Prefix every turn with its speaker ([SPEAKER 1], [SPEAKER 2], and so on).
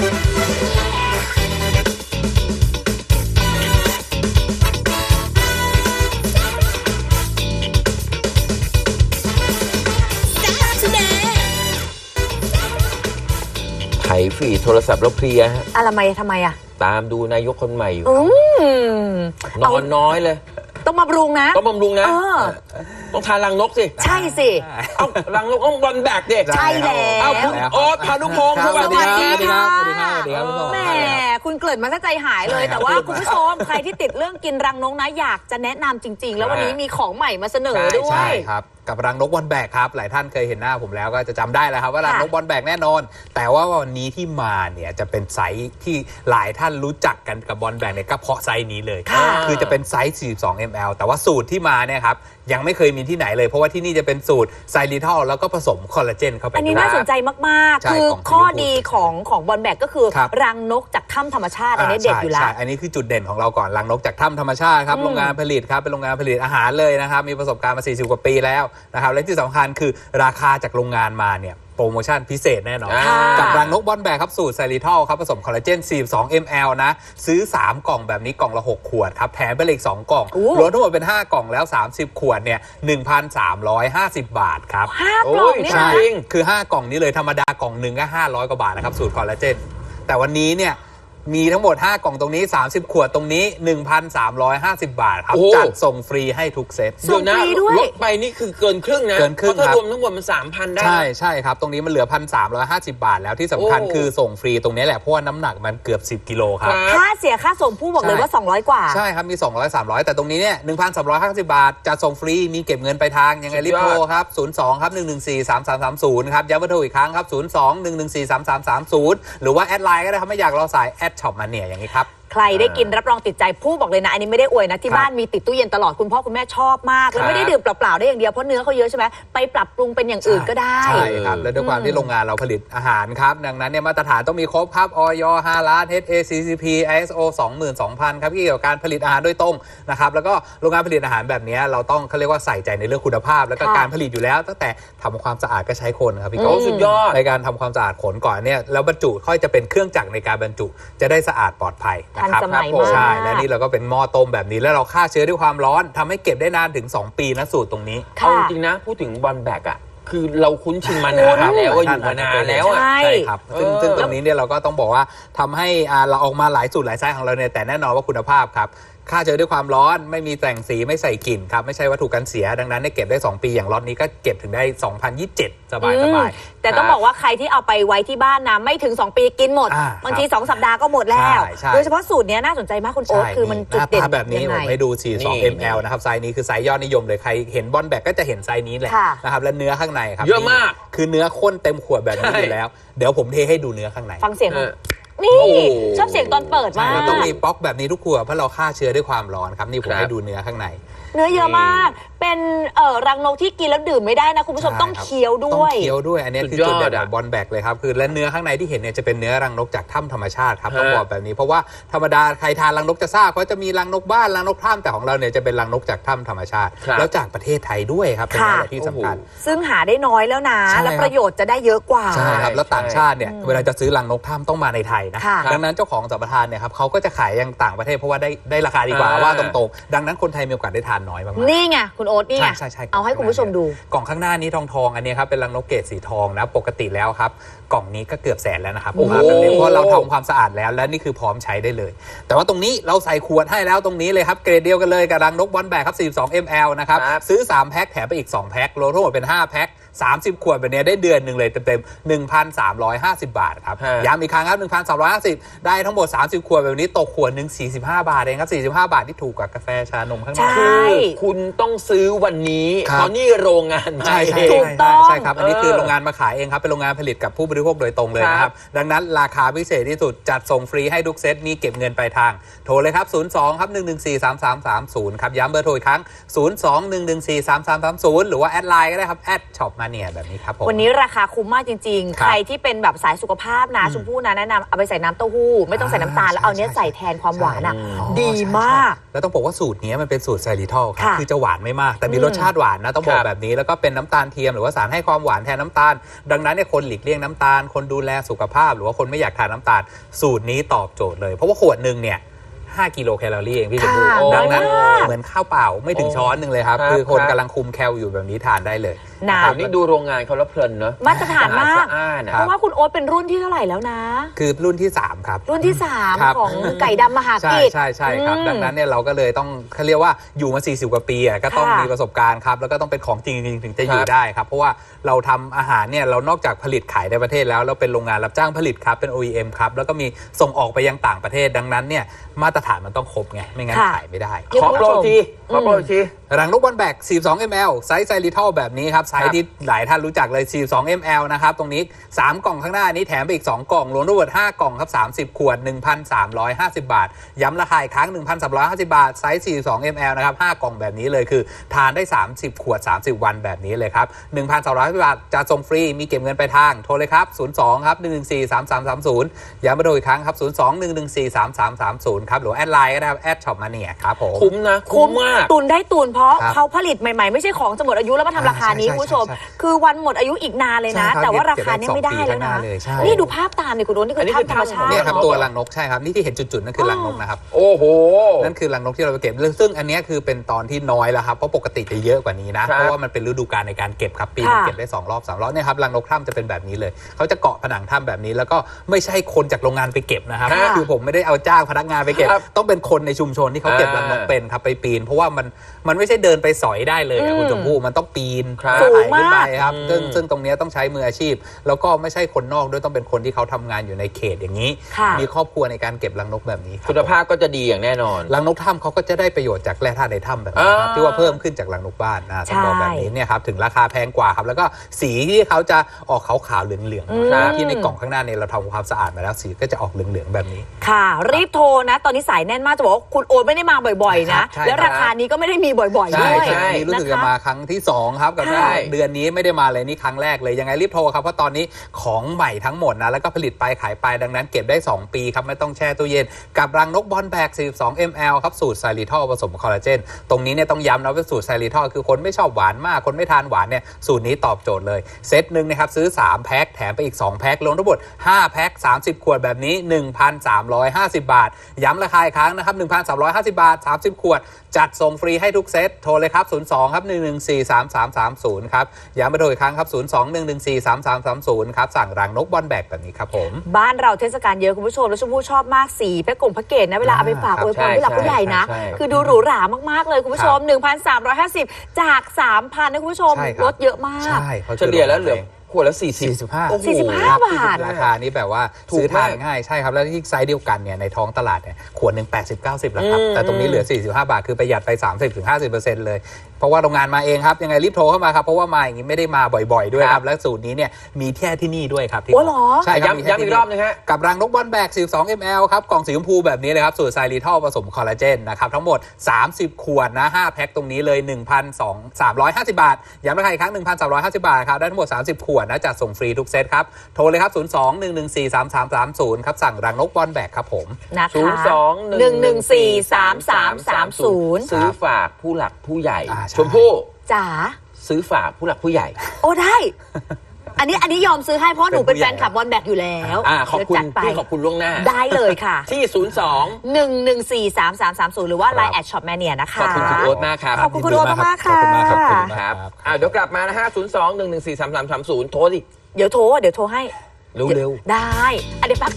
[SPEAKER 1] ไถฟีดโทรศัพท์แล้วเพลียฮะ
[SPEAKER 2] อะไรทำไมอ่ะ
[SPEAKER 1] ตามดูนายกคนใหม่อยู่นอนน้อยเลย
[SPEAKER 2] ต้องบำรุงนะ
[SPEAKER 1] ต้องทานรังนกสิ
[SPEAKER 2] ใช่สิ
[SPEAKER 1] เอารังนกต้องบอลแบกเด็ก
[SPEAKER 2] ใช่แล้ว
[SPEAKER 1] เอาคุณโอ๊ตพานุพงศ์สวัสดีครับ
[SPEAKER 2] แหมคุณเกริ่นมาซะใจหายเลยแต่ว่าคุณผู้ชมใครที่ติดเรื่องกินรังนกนะอยากจะแนะนำจริงๆแล้ววันนี้มีของใหม่มาเสนอด้วย
[SPEAKER 3] ใช่ครับกับรังนกบอลแบกครับหลายท่านเคยเห็นหน้าผมแล้วก็จะจำได้แล้วครับว่ารังนกบอลแบกแน่นอนแต่ว่าวันนี้ที่มาเนี่ยจะเป็นไซส์ที่หลายท่านรู้จักกันกับบอลแบกเนี่ยก็เพราะไซส์นี้เลยคือจะเป็นไซส์ 42 ml แต่ว่าสูตรที่มาเนี่ยครับยังไม่เคยมีที่ไหนเลยเพราะว่าที่นี่จะเป็นสูตรไซริทอลแล้วก็ผสมคอลลาเจนเข้าไป
[SPEAKER 2] อันนี้น่าสนใจมากๆคือข้อดีของบอลแบกก็คือรังนกจากถ้ำธรรมชาติอันนี้เด็ดอยู่แล้ว
[SPEAKER 3] อันนี้คือจุดเด่นของเราก่อนรังนกจากถ้ำธรรมชาติครับโรงงานผลิตครับเป็นโรงงานผลิตอาหารเลยนะครับมีประสบการณ์มา40 กว่าปีแล้วนะครับและที่สำคัญคือราคาจากโรงงานมาเนี่ยโปรโมชั่นพิเศษแน่นอนกับรังนกบอลแบกครับสูตรไซริทอลครับผสมคอลลาเจน 42 ml นะซื้อ3กล่องแบบนี้กล่องละ6ขวดครับแถมไปเลยอีก2กล่องรวมทั้งหมดเป็น5กล่องแล้ว30ขวดเนี่ย 1,350 บาทครับ
[SPEAKER 2] 5กล่องนี่นะ
[SPEAKER 3] คือ5กล่องนี้เลยธรรมดากล่องนึงก็500 กว่าบาทนะครับสูตรคอลลาเจนแต่วันนี้เนี่ยมีทั้งหมด5กล่องตรงนี้30ขวดตรงนี้ 1,350 บาทครับจัดส่งฟรีให้ทุกเซต
[SPEAKER 2] ส่งฟรีด้วย
[SPEAKER 1] ลดไปนี่คือเกินครึ่งนะ
[SPEAKER 3] เกินครึ่ง
[SPEAKER 1] ถ้ารวมทั้งหมดมัน 3,000 ได้
[SPEAKER 3] ใช่ครับตรงนี้มันเหลือ 1,350 บาทแล้วที่สำคัญคือส่งฟรีตรงนี้แหละเพราะว่าน้ำหนักมันเกือบ10กิโลครับ
[SPEAKER 2] ค่าเสียค่าส่งผู้บอกเลยว่า200กว่า
[SPEAKER 3] ใช่ครับมี200 300แต่ตรงนี้เนี่ย 1,350 บาทจัดส่งฟรีมีเก็บเงินไปทางยังไงรีบโทรครับ02ครับ114 3330ครับย้ำว่าโทรอีกครั้งครับ02 114 3330หรือว่าแอดไลน์ก็ได้ครับไม่อยากรอสายแอดช็อปมาเนี่ยอย่างนี้ครับ
[SPEAKER 2] ใครได้กินรับรองติดใจผู้บอกเลยนะอันนี้ไม่ได้อวยนะที่บ้านมีติดตู้เย็นตลอดคุณพ่อคุณแม่ชอบมากแล้วไม่ได้ดื่มเปล่าๆได้อย่างเดียวเพราะเนื้อเขาเยอะใช่ไหมไปปรับปรุงเป็นอย่างอื่นก็ได้
[SPEAKER 3] ใช่ครับและด้วยความที่โรงงานเราผลิตอาหารครับดังนั้นเนี่ยมาตรฐานต้องมีครบครับอย 5 ล้าน HACCP ISO 22,000 ครับเกี่ยวกับการผลิตอาหารโดยตรงนะครับแล้วก็โรงงานผลิตอาหารแบบนี้เราต้องเขาเรียกว่าใส่ใจในเรื่องคุณภาพแล้วก็การผลิตอยู่แล้วตั้งแต่ทำความสะอาดก็ใช้คนครับพี่โก้
[SPEAKER 1] สุดยอด
[SPEAKER 3] ในการทำความสะอาดขนก่อนเนี่ยแล้วบรรจุค่อยจะเป็นเครื่องจักรในการบรรจุจะได้สะอาดปลอดภัยนะครับใช่และนี่เราก็เป็นหม้อต้มแบบนี้แล้วเราฆ่าเชื้อด้วยความร้อนทำให้เก็บได้นานถึง2 ปีนะสูตรตรงนี้
[SPEAKER 1] เอาจริงนะพูดถึงบอลแบกอ่ะคือเราคุ้นชินมานานแล้วว่าอยู่มานานแล้ว
[SPEAKER 3] ใช่ครับซึ่งตรงนี้เนี่ยเราก็ต้องบอกว่าทำให้เราออกมาหลายสูตรหลายไซส์ของเราเนี่ยแต่แน่นอนว่าคุณภาพครับฆ่าเชื้อด้วยความร้อนไม่มีแต่งสีไม่ใส่กลิ่นครับไม่ใช่วัตถุกันเสียดังนั้นได้เก็บได้2 ปีอย่างล็อตนี้ก็เก็บถึงได้2027สบาย
[SPEAKER 2] แต่ต้องบอกว่าใครที่เอาไปไว้ที่บ้านนะไม่ถึง2 ปีกินหมดบางที2 สัปดาห์ก็หมดแล้วโดยเฉพาะสูตรนี้น่าสนใจมากคุณโอ๊ตคือมันจุดเด่น
[SPEAKER 3] แบบนี้ผมให้ดู42 ml นะครับไซส์นี้คือไซส์ยอดนิยมเลยใครเห็นบอลแบกก็จะเห็นไซส์นี้แหละนะครับและเนื้อข้างในครับ
[SPEAKER 1] เยอะมาก
[SPEAKER 3] คือเนื้อข้นเต็มขวดแบบนี้อยู่แล้วเดี๋ยวผมเทให้ดูเนื้อข้างใน
[SPEAKER 2] ฟังเสียงนี่ชอบเสียงตอนเปิดมาก
[SPEAKER 3] เราต้องมีป๊อกแบบนี้ทุกขวดเพราะเราฆ่าเชื้อด้วยความร้อนครับนี่ผมให้ดูเนื้อข้างใน
[SPEAKER 2] เนื้อเยอะมากเป็นรังนกที่กินแล้วดื่มไม่ได้นะคุณผู้ชมต้องเคี้ยวด้วย
[SPEAKER 3] ต้องเคี้ยวด้วยอันนี้คือจุดเด่นของบอลแบกเลยครับคือและเนื้อข้างในที่เห็นเนี่ยจะเป็นเนื้อรังนกจากถ้ำธรรมชาติครับต้องบอกแบบนี้เพราะว่าธรรมดาใครทานรังนกจะทราบเขาจะมีรังนกบ้านรังนกถ้ำแต่ของเราเนี่ยจะเป็นรังนกจากถ้ำธรรมชาติแล้วจากประเทศไทยด้วยครับเป็นอะไรที่สำคัญ
[SPEAKER 2] ซึ่งหาได้น้อยแล้วนะและประโยชน์จะได้เยอะกว่า
[SPEAKER 3] ใช่ครับแล้วต่างชาติเนี่ยเวลาจะซื้อรังนกถ้ำต้องมาในไทยนะดังนั้นเจ้าของสัมปทานเนี่ยครับเขาก็จะขายยังต่างประเทศเพราะว่าได้ราคาดีกว่าว่าตรงๆดังนั้นคนไทยมีโอกาสได้ทานน้อยมาก
[SPEAKER 2] นี่ไงคุณโอ๊ตนี่ไงเอาให้คุณผู้ชมดู
[SPEAKER 3] กล่องข้างหน้านี้ทองอันนี้ครับเป็นรังนกเกรดสีทองนะปกติแล้วครับกล่องนี้ก็เกือบ100,000แล้วนะครับผมแบบนี้เพราะเราทำความสะอาดแล้วและนี่คือพร้อมใช้ได้เลยแต่ว่าตรงนี้เราใส่ขวดให้แล้วตรงนี้เลยครับเกรดเดียวกันเลยกับรังนกบอลแบกครับ42 ml นะครับซื้อ3แพ็คแถมไปอีก2แพ็ครวมทั้งหมดเป็น5แพ็ค30ขวดแบบนี้ได้เดือนหนึ่งเลยเต็มๆ 1,350 บาทครับย้ำอีกครั้งครับ 1,350 ได้ทั้งหมด30ขวดแบบนี้ตกขวดหนึ่ง45 บาทเองครับ45 บาทที่ถูกกว่ากาแฟชานมข้างนอก
[SPEAKER 1] คุณต้องซื้อวันนี้เพราะนี่โรงงานมา
[SPEAKER 2] ถูกต้อง
[SPEAKER 3] ใช่ครับอันนี้คือโรงงานมาขายเองครับเป็นโรงงานผลิตกับผู้บริโภคโดยตรงเลยนะครับดังนั้นราคาพิเศษที่สุดจัดส่งฟรีให้ทุกเซตมีเก็บเงินปลายทางโทรเลยครับ02ครับ114 3330ครับย้ำเบอร์โทรอีกครั้ง02 114 3330หรือว่าแอดไลน์ก็ได้ครับแอดช็อปมามาเนียแบบนี้ครับผม
[SPEAKER 2] วันนี้ราคาคุ้มมากจริงๆ
[SPEAKER 3] ครั
[SPEAKER 2] ใค
[SPEAKER 3] บ
[SPEAKER 2] รที่เป็นแบบสายสุขภาพนะชมพู่นะแนะนำเอาไปใส่น้ำเต้าหู้ไม่ต้องใส่น้ำตาลแล้วเอาเนี้ยใส่แทนความหวานอ่ะ ดีมาก
[SPEAKER 3] แล้วต้องบอกว่าสูตรนี้มันเป็นสูตรไซริทอลครับ
[SPEAKER 2] ค่ะ
[SPEAKER 3] คือจะหวานไม่มาก แต่มีรสชาติหวานนะต้องบอกแบบนี้แล้วก็เป็นน้ำตาลเทียมหรือว่าสารให้ความหวานแทนน้ำตาล ดังนั้นเนี่ยคนหลีกเลี่ยงน้ำตาลคนดูแลสุขภาพหรือว่าคนไม่อยากทานน้ำตาลสูตรนี้ตอบโจทย์เลยเพราะว่าขวดหนึ่งเนี่ย5 กิโลแคลอรี่เองพี่ชมพู่
[SPEAKER 2] ค่ะ
[SPEAKER 3] ดังนั้น
[SPEAKER 2] น้อยมาก
[SPEAKER 3] เหมือนข้าวเปล่าไม่ถึงช้อนหนึ่งเลยครับ
[SPEAKER 1] ครับ
[SPEAKER 3] คือคน
[SPEAKER 1] ครับ
[SPEAKER 3] กำลังคุมแคลอยู่แบบนี้ทานได้เลย
[SPEAKER 2] นะ
[SPEAKER 3] ครับ
[SPEAKER 1] นี่ดูโรงงานเขาแล้วเพลินเนอะ
[SPEAKER 2] มาตรฐานมาก
[SPEAKER 1] สะอาดๆนะ
[SPEAKER 2] เพราะว่าคุณโอ๊ตเป็นรุ่นที่เท่าไหร่แล้วนะ
[SPEAKER 3] คือรุ่นที่ 3 ครับ
[SPEAKER 2] รุ่นที่
[SPEAKER 3] ครับ
[SPEAKER 2] 3 ของไก่ดำมหา
[SPEAKER 3] ใช่
[SPEAKER 2] กิจ
[SPEAKER 3] ใช่ครับ
[SPEAKER 2] อืม
[SPEAKER 3] ดังนั้นเนี่ยเราก็เลยต้องเขาเรียกว่าอยู่มา 40 กว่าปีก็ต้อง
[SPEAKER 2] ค่ะ
[SPEAKER 3] มีประสบการณ์ครับแล้วก็ต้องเป็นของจริงถึงจะอยู่
[SPEAKER 1] ครับ
[SPEAKER 3] ได้ครับเพราะว่าเราทำอาหารเนี่ยเรานอกจากผลิตขายในประเทศแล้วเราเป็นโรงงานรับจ้างผลิตครับเป็น OEM ครับแล้วก็มีส่งออกไปยังต่างประเทศดังนั้นเนี่ยมาตรฐานมันต้องครบไงไม่งั้น
[SPEAKER 2] ค่ะ
[SPEAKER 3] ขายไม่ได้
[SPEAKER 1] ขอโปรทีขอโปรที
[SPEAKER 3] รังนกบอลแบก 42 ml ไซส์ไซริทอลแบบนี้ครับ ไซส์ที่หลายท่านรู้จักเลย 42 ml นะครับ ตรงนี้ 3 กล่องข้างหน้านี้แถมไปอีก 2 กล่อง รวมทั้งหมด 5 กล่องครับ 30 ขวด 1,350 บาท ย้ำราคาอีกครั้ง 1,350 บาท ไซส์ 42 ml นะครับ 5 กล่องแบบนี้เลยคือ ทานได้ 30 ขวด 30 วันแบบนี้เลยครับ 1,350 บาทจะส่งฟรี มีเก็บเงินไปลายทาง โทรเลยครับ 02 ครับ 114 3330 ย้ำมาโดยอีกครั้งครับ 02 114 3330 ครับ หรือแอดไลน์ก็ได้ครับ แอดช็อปมาเนี่ยครับผม
[SPEAKER 1] คุ้มนะ คุ้มมาก
[SPEAKER 2] ตุนได้ตุนเพราะ
[SPEAKER 3] ครับ
[SPEAKER 2] เขาผลิตใหม่ๆ ไม่ใช่ของจะหมดอายุแล้วมาทำราคานี้
[SPEAKER 3] ใช่
[SPEAKER 2] คุณผู้ชม
[SPEAKER 3] ใช่
[SPEAKER 2] คือวันหมดอายุอีกนานเลยนะ
[SPEAKER 3] ใช่ครับ
[SPEAKER 2] แต่ว่าราคานี้ไม่ได้แล้วนะ
[SPEAKER 3] เก็บได้2 ปีข้างหน้าเลยใช่
[SPEAKER 2] นี่ดูภาพตามเนี่ยคุณโดนนี่
[SPEAKER 1] อันนี้
[SPEAKER 2] คือ
[SPEAKER 1] คือ
[SPEAKER 2] ถ้ำธรรมชาติ
[SPEAKER 3] เนี่ยครับ
[SPEAKER 1] รังนก
[SPEAKER 3] ตัวรังนกใช่ครับนี่ที่เห็นจุดๆนั่นคือรังนกนะครับ
[SPEAKER 1] โอ้โห
[SPEAKER 3] นั่นคือรังนกที่เราไปเก็บซึ่งอันเนี้ยคือเป็นตอนที่น้อยแล้วครับเพราะปกติจะเยอะกว่านี้นะ
[SPEAKER 1] ครับ
[SPEAKER 3] เพราะว่ามันเป็นฤดูกาลในการเก็บครับปีนึง
[SPEAKER 2] ค่ะ
[SPEAKER 3] เก็บได้2 รอบ 3 รอบเนี่ยครับรังนกถ้ำจะเป็นแบบนี้เลยเขาจะเกาะผนังถ้ำแบบนี้แล้วก็ไม่ใช่คนจากโรงงานไปเก็บนะครับ
[SPEAKER 1] ค่ะ
[SPEAKER 3] คือผมไม่ได้เอาจ้างพนักงานไปเก็บ
[SPEAKER 1] ครับ
[SPEAKER 3] ต้องเป็นคนในชุมชนที่เขาเก็บรังนกเป็นครับไปปีน เพราะว่ามันไม่ใช่เดินไปสอยได้เลยอะคุณชมพู่มันต้องปีน
[SPEAKER 1] ครับ
[SPEAKER 3] ไต่ขึ้นไปครับ
[SPEAKER 1] อืม
[SPEAKER 3] ซึ่งตรงเนี้ยต้องใช้มืออาชีพ แล้วก็ไม่ใช่คนนอกด้วยต้องเป็นคนที่เขาทำงานอยู่ในเขตอย่างนี้
[SPEAKER 2] ค่ะ
[SPEAKER 3] มีครอบครัวในการเก็บรังนกแบบนี้รับ
[SPEAKER 1] คุณภาพก็จะดีอย่างแน่นอน
[SPEAKER 3] รังนกถ้ำเขาก็จะได้ประโยชน์จากแร่ธาตุในถ้ำแบบนี้ครับ
[SPEAKER 1] อ่า
[SPEAKER 3] ที่ว่าเพิ่มขึ้นจากรังนกบ้านต้องบอกแบบนี้เนี่ยครับถึงราคาแพงกว่าครับแล้วก็สีที่เขาจะออกขาวๆเหลืองๆนะครับที่ในกล่องข้างหน้าเนี่ยเราทำความสะอาดมาแล้วสีก็จะออกเหลืองๆแบบนี้
[SPEAKER 2] ค่ะ รีบโทรนะ ตอนนี้สายแน่นมากจะบอกว่าคุณโอ๊ตไม่ได้มาบ่อยๆ นะ
[SPEAKER 3] ใช่
[SPEAKER 2] แล้วราคานี้ก็ไม่ได้มีบ่อยๆ
[SPEAKER 3] ใช่
[SPEAKER 2] ด้วย
[SPEAKER 3] ใช่นี่รู้สึกจะมาครั้งที่ 2 ครับกับ
[SPEAKER 2] ใช่
[SPEAKER 3] เดือนนี้ไม่ได้มาเลยนี่ครั้งแรกเลยยังไงรีบโทรครับเพราะตอนนี้ของใหม่ทั้งหมดนะแล้วก็ผลิตไปขายไปดังนั้นเก็บได้ 2 ปีครับไม่ต้องแช่ตู้เย็นกับรังนกบอลแบก 42 ml ครับสูตรไซริทอลผสมคอลลาเจนตรงนี้เนี่ยต้องย้ำนะว่าสูตรไซริทอลคือคนไม่ชอบหวานมากคนไม่ทานหวานเนี่ยสูตรนี้ตอบโจทย์เลยเซตหนึ่งนะครับซื้อ3 แพ็คแถมไปอีก 2 แพ็ครวมทั้งหมด5 แพ็ค30 ขวดแบบนี้ 1,350 บาทย้ำราคาอีกครั้งนะครับ 1,350 บาท 30 ขวดจัดส่งฟรีให้ทุกเซตโทรเลยครับ 02 ครับ 114 3330 ครับย้ำไปโทรอีกครั้งครับ 02 114 3330 ครับสั่งรังนกบอลแบกแบบนี้ครับผม
[SPEAKER 2] บ้านเราเทศกาลเยอะคุณผู้ชมแล้วชมพู่ชอบมากสีแพ็กแพ็กเกจนะเวลาเอาไปฝาก
[SPEAKER 3] ครับ
[SPEAKER 2] อวยพรผู้หลักผู้ใหญ่นะ
[SPEAKER 1] ใช่
[SPEAKER 2] คือดูหรูหรามากๆเลยคุณผู้ชม 1,350 จาก 3,000นะคุณผู้ชม
[SPEAKER 3] ใช่ครับ
[SPEAKER 2] ลดเยอะมาก
[SPEAKER 3] ใช่เขา
[SPEAKER 1] เฉลี่ยแล้วเหลือขวดละ40
[SPEAKER 3] 45
[SPEAKER 1] โอ้โห
[SPEAKER 2] 45 บาท
[SPEAKER 3] ราคานี้แบบว่า
[SPEAKER 1] ถูก
[SPEAKER 3] ซื้อทาน
[SPEAKER 1] มาก
[SPEAKER 3] ง่ายใช่ครับ แล้วที่ไซส์เดียวกันเนี่ยในท้องตลาดเนี่ยขวดหนึ่ง80-90แล้วครับ แต่ตรงนี้เหลือ 45 บาท คือประหยัดไป 30-50% เลย เพราะว่าโรงงานมาเองครับ ยังไงรีบโทรเข้ามาครับ เพราะว่ามาอย่างนี้ไม่ได้มาบ่อยๆ ด้วยครับ และสูตรนี้เนี่ยมีแค่ที่นี่ด้วยครับที่
[SPEAKER 2] โอ้เหรอ
[SPEAKER 3] ใช่ครับมีแค่
[SPEAKER 1] ย้ำอี
[SPEAKER 3] ที่
[SPEAKER 1] ก
[SPEAKER 3] นี่
[SPEAKER 1] รอบนึงฮะ
[SPEAKER 3] กับรังนกบอลแบก 42 ml ครับ กล่องสีชมพูแบบนี้เลยครับ สูตรไซริทอลผสมคอลลาเจนนะครับ ทั้งหมด 30 ขวดนะ 5 แพ็คตรงนี้เลย 1,350 บาท ย้ำราคาอีกครั้ง 1,350 บาทครับ ได้ทั้งหมด 30 ขวดนะจัดส่งฟรีทุกเซตครับ โทรเลยครับ 02 114 3330 ครับ สั่งรังนกบอลแบกครับผม
[SPEAKER 2] นะคะ
[SPEAKER 1] 02
[SPEAKER 2] 114
[SPEAKER 1] ซื้อฝากผู้หลักผู้ใหญ่
[SPEAKER 3] ใช่
[SPEAKER 1] ชมพู่
[SPEAKER 2] จ๋า
[SPEAKER 1] ซื้อฝากผู้หลักผู้ใหญ่
[SPEAKER 2] โอ้ได้ อันนี้ยอมซื้อให้เพราะหนูเป็นแฟนคลับบอลแบกอยู่แล้ว
[SPEAKER 1] ขอบคุณ
[SPEAKER 2] เดี๋ยวจัดไป
[SPEAKER 1] พี่ขอบคุณล่วงหน้า
[SPEAKER 2] ได้เลยค่ะ
[SPEAKER 1] ที่ 02
[SPEAKER 2] 114 3330 หรือว่า Line แอดช็อปแมเนียนะคะ
[SPEAKER 1] ขอบคุณคุณโอ๊ตมากครับ
[SPEAKER 2] ขอบคุณคุณโอ๊ตมากๆ
[SPEAKER 3] ขอบคุณมากครับ
[SPEAKER 2] ค่ะ
[SPEAKER 3] ขอบคุณมาก
[SPEAKER 1] ครับเดี๋ยวกลับมานะฮะ 02 114 3330 โทรดิ
[SPEAKER 2] เดี๋ยวโทรให้
[SPEAKER 1] เร็วๆ
[SPEAKER 2] ได้เดี๋ยวแป๊บ